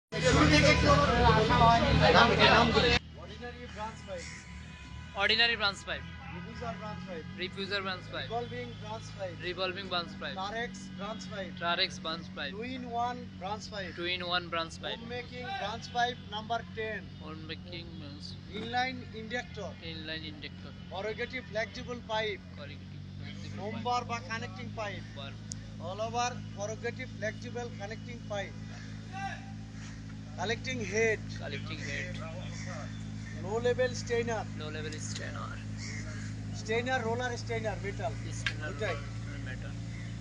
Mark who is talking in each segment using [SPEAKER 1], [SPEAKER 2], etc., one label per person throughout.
[SPEAKER 1] Ordinary branch pipe.
[SPEAKER 2] Diffuser branch pipe.
[SPEAKER 1] Revolving branch pipe.
[SPEAKER 2] Trarex branch pipe.
[SPEAKER 1] 2-in-1 branch pipe.
[SPEAKER 2] 2-in-1 branch pipe.
[SPEAKER 1] Homemaking branch pipe number 10.
[SPEAKER 2] Homemaking branch.
[SPEAKER 1] Inline inductor.
[SPEAKER 2] Inline inductor.
[SPEAKER 1] Corrugative flexible pipe.
[SPEAKER 2] Corrugative flexible
[SPEAKER 1] Number বা connecting pipe.
[SPEAKER 2] pipe.
[SPEAKER 1] All over corrugative flexible connecting pipe. Collecting head.
[SPEAKER 2] Collecting head.
[SPEAKER 1] Low level stainer.
[SPEAKER 2] Low level strainer.
[SPEAKER 1] Stainer roller stainer metal.
[SPEAKER 2] Strainer
[SPEAKER 1] Okay.
[SPEAKER 2] metal.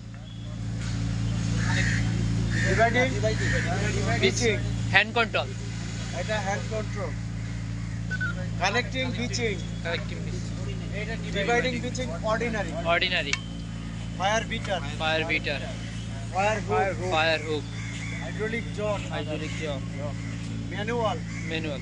[SPEAKER 1] Dividing. Pitching.
[SPEAKER 2] Hand control.
[SPEAKER 1] এটা hand control. Connecting pitching.
[SPEAKER 2] Collecting piece.
[SPEAKER 1] Dividing pitching ordinary.
[SPEAKER 2] Ordinary.
[SPEAKER 1] Fire beater.
[SPEAKER 2] Fire beater.
[SPEAKER 1] Fire hook.
[SPEAKER 2] Fire hook.
[SPEAKER 1] Hydraulic jaw.
[SPEAKER 2] Hydraulic jaw.
[SPEAKER 1] Manual.
[SPEAKER 2] Manual.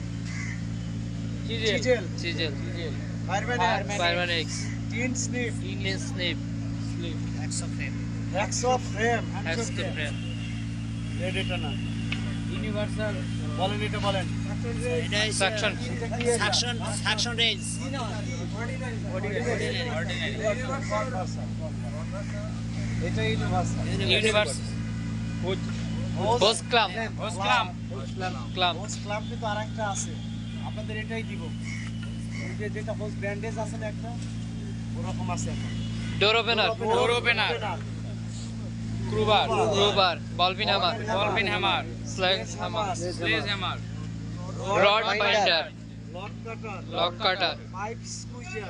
[SPEAKER 1] Chisel.
[SPEAKER 2] Chisel.
[SPEAKER 1] Fireman X.
[SPEAKER 2] Fireman X.
[SPEAKER 1] Tin snip.
[SPEAKER 2] Indian snip.
[SPEAKER 1] Hacksaw frame.
[SPEAKER 2] Hacksaw frame.
[SPEAKER 1] Blade turner. Universal. বলেন এটা বলেন।
[SPEAKER 2] Suction.
[SPEAKER 3] Suction range.
[SPEAKER 1] এটা universal.
[SPEAKER 2] Universe. Hose clamp. Clamp.
[SPEAKER 1] Hose clamp কিন্তু আরেকটা আছে। আপনাদের এটাই দিব। ওই যে যেটা হোস ব্যান্ডেজ আছে না একটা ওরকম আছে এখন।
[SPEAKER 2] Door opener. Crowbar. Ball-pin hammer. Sledge hammer. Rod binder.
[SPEAKER 1] Lock cutter.
[SPEAKER 2] Lock cutter.
[SPEAKER 1] Pipe squeezer.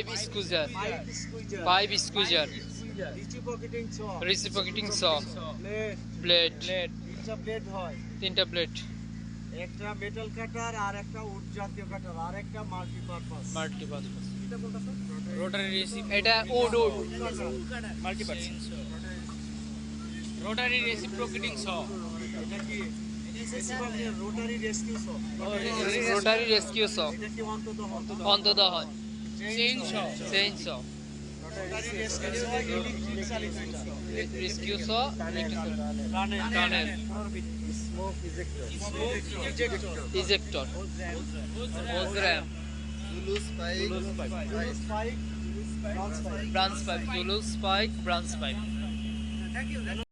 [SPEAKER 2] Pipe squeezer.
[SPEAKER 1] Reciprocating saw.
[SPEAKER 2] Reciprocating saw.
[SPEAKER 1] Blade.
[SPEAKER 2] Blade.
[SPEAKER 1] তিনটা ব্লেড হয়।
[SPEAKER 2] 3টা blade.
[SPEAKER 1] একটা মেটাল কাটার আর একটা উড জাতীয় কাটার আর একটা মাল্টিপারপাস।
[SPEAKER 2] Multi-purpose.
[SPEAKER 1] এটা কোনটা স্যার?
[SPEAKER 2] Rotary reciprocating. এটা wood.
[SPEAKER 3] Multi-purpose. Rotary reciprocating saw.
[SPEAKER 1] এটা কি rotary rescue saw.
[SPEAKER 2] Rotary rescue saw.
[SPEAKER 1] এটা কি
[SPEAKER 2] অন্তত হয়।
[SPEAKER 3] Chain saw.
[SPEAKER 2] Chain saw.
[SPEAKER 1] Rotary rescue saw electric চালিত এটা।
[SPEAKER 2] Rescue saw.
[SPEAKER 1] Tunnel.
[SPEAKER 2] Tunnel.
[SPEAKER 1] Smoke ejector.
[SPEAKER 2] Ejector. Hose ram.
[SPEAKER 1] Spike.
[SPEAKER 2] Branch pipe. Zulus spike. Branch pipe.